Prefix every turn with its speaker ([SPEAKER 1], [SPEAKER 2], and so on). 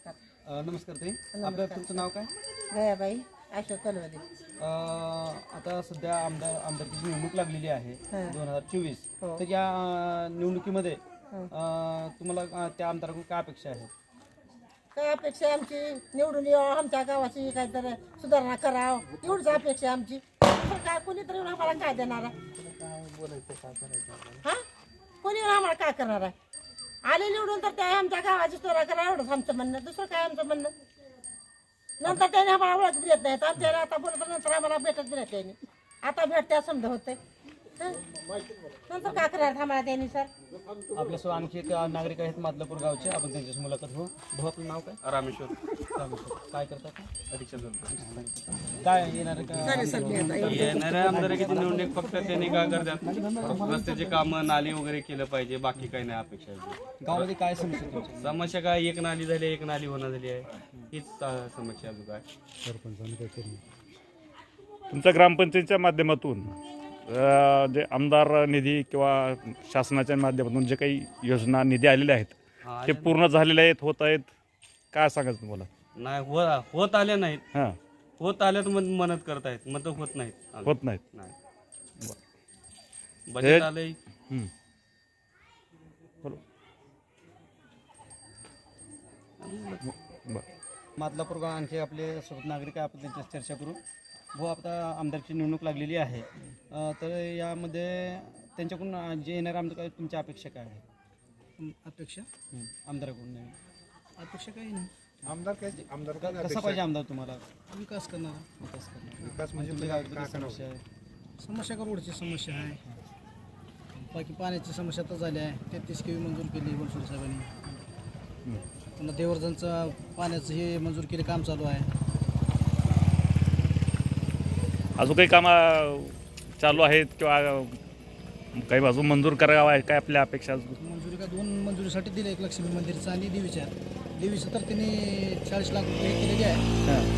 [SPEAKER 1] नमस्कार ताई, आपलं तुमचं नाव काय?
[SPEAKER 2] गयाबाई अशोक कलवदे.
[SPEAKER 1] आता सध्या आमदारकीची निवडणूक लागलेली आहे 2024.
[SPEAKER 2] हो.
[SPEAKER 1] तर या निवडणुकीमध्ये तुम्हाला त्या आमदाराकडून काय अपेक्षा आहे?
[SPEAKER 2] काय अपेक्षा आहे आमची? निवडून यावं, आमच्या गावाची काहीतरी सुधारणा करावं, एवढीच अपेक्षा आहे आमची. तर काय कोणीतरी येऊन आम्हाला काय देणार आहे? हा, कोणी येऊन आम्हाला काय करणार आहे? आले निवडून तर त्या आमच्या गावाची सुधारणा करा, एवढंच आमचं म्हणणं. दुसरं काय आमचं म्हणणं? नंतर त्याने आम्हाला ओळख बी देत नाहीत. आमच्या आता बोलत नंतर आम्हाला भेटत बी नाही त्यांनी. आता भेटत्या समजा होते, नंतर काय करणार आम्हाला त्यांनी? सर,
[SPEAKER 1] आपल्यासोबत आणखी एक नागरिक आहेत मादलापूर गावचे, आपण त्यांच्याशी मुलाखत हो. भाऊ, आपलं नाव काय? रामेश्वर. काय करतात? काय येणार
[SPEAKER 3] येणाऱ्या आमदारकीची निवडणूक फक्त त्यांनी काय करतात, रस्त्याचे कामं, नाली वगैरे केलं पाहिजे, बाकी काही नाही अपेक्षा आहे.
[SPEAKER 1] गावामध्ये काय समस्या तुमची?
[SPEAKER 3] समस्या काय, एक नाली झाली, एक नाली होणार झाली आहे, हीच समस्या अजून काय.
[SPEAKER 4] तुमच्या ग्रामपंचायतीच्या माध्यमातून जे आमदार निधी किंवा शासनाच्या माध्यमातून जे काही योजना निधी आलेले आहेत ते पूर्ण झालेले आहेत, होत आहेत, काय सांगायचं तुम्हाला?
[SPEAKER 3] नाही होत आले नाहीत.
[SPEAKER 4] हां,
[SPEAKER 3] होत आल्यात मदत करतायत, मदत होत नाहीत.
[SPEAKER 4] होत नाहीत.
[SPEAKER 3] नाही, बजेट आलंय.
[SPEAKER 4] बरं.
[SPEAKER 1] मादलापूर गाव आणखी आपले सोबत नागरिक आहे, आपण त्यांच्याशी चर्चा करू. भाऊ, आता आमदारची निवडणूक लागलेली आहे, तर यामध्ये त्यांच्याकडून जे येणारे आमदार काय तुमच्या अपेक्षा काय आहे?
[SPEAKER 5] अपेक्षा
[SPEAKER 1] आमदाराकडून नाही.
[SPEAKER 5] अपेक्षा काही नाही.
[SPEAKER 1] कसा पाहिजे आमदार तुम्हाला?
[SPEAKER 5] विकास करणारा.
[SPEAKER 1] विकास म्हणजे तुमच्या गावात किती समस्या आहे?
[SPEAKER 5] समस्या का रोडची समस्या आहे, बाकी पाण्याची समस्या तर झाली आहे. 33 केवी मंजूर केली बनसोडे साहेबांनी. पुन्हा देवर्धनचं पाण्याचं हे मंजूर केले, काम चालू आहे.
[SPEAKER 4] अजून काही कामं चालू आहेत किंवा काही अजून मंजूर करावं आहे, काय आपल्या अपेक्षा?
[SPEAKER 5] मंजुरी का 2 मंजुरीसाठी दिले, एक लक्ष्मी मंदिरचं आणि देवीचं तर त्यांनी 40 लाख रुपये केलेले आहे.